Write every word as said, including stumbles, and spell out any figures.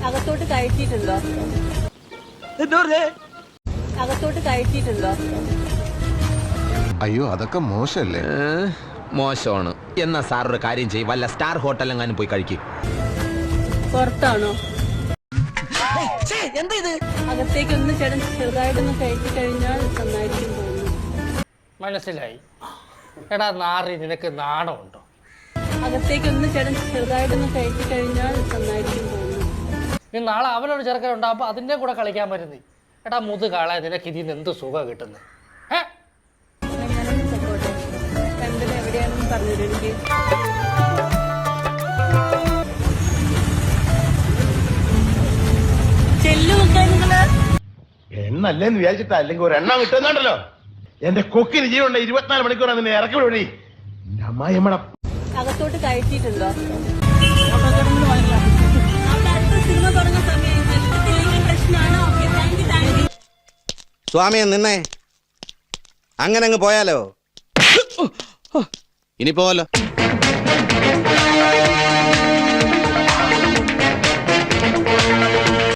അകത്തോട്ട് കയറ്റിയിട്ടുണ്ടോ? അകത്തോട്ട് കയറ്റിയിട്ടുണ്ടോ? അയ്യോ അതൊക്കെ മോശമല്ലേ? മോശമാണ്. എന്നാ സാർ ഒരു കാര്യം ചെയ്യും, വല്ല സ്റ്റാർ ഹോട്ടലെങ്ങാനും പോയി കഴിക്കും. പുറത്താണോ? അകത്തേക്ക് ഒന്ന് ചേട്ടൻ ചെറുതായിട്ടൊന്ന് കയറ്റി കഴിഞ്ഞാൽ നന്നായിരിക്കും തോന്നുന്നു. മനസ്സിലായി. എടാ നാറി, നിനക്ക് നാണമുണ്ടോ? അകത്തേക്ക് ഒന്ന് ചേട്ടൻ ചെറുതായിട്ടൊന്ന് കയറ്റി കഴിഞ്ഞാൽ നന്നായിരിക്കും തോന്നുന്നു. നീ നാളെ അവനൊരു ചെറുക്കൻ ഉണ്ടാകുമ്പോൾ അതിൻ്റെ കൂടെ കളിക്കാൻ പറ്റുന്നേ. എടാ മുതുകാളെ, നിനക്ക് ഇതിൽ നിന്ന് എന്ത് സുഖം കിട്ടുന്നത്? ഏഹ് ഞാനൊന്ന് പൊക്കോട്ടെ. രണ്ടിന് എവിടെയാണെന്ന് പറഞ്ഞുതരും എനിക്ക്. എണ്ണല്ലേന്ന് വിചാരിച്ചിട്ടാ, അല്ലെങ്കിൽ ഒരു എണ്ണം കിട്ടുന്നുണ്ടല്ലോ. എന്റെ കൊക്കിന് ജീവനുണ്ട്. ഇരുപത്തിനാല് മണിക്കൂറാണ് നിന്നെ ഇറക്കി വിടി. അമ്മായിയമ്മടെ അകത്തോട്ട് കയറ്റിയിട്ടുണ്ടോ? സിനിമ തുടങ്ങുന്ന സമയം പ്രശ്നമാണോ? സ്വാമിയെ നിന്നേ, അങ്ങനെ അങ്ങ് പോയാലോ? ഇനി പോവല്ലോ.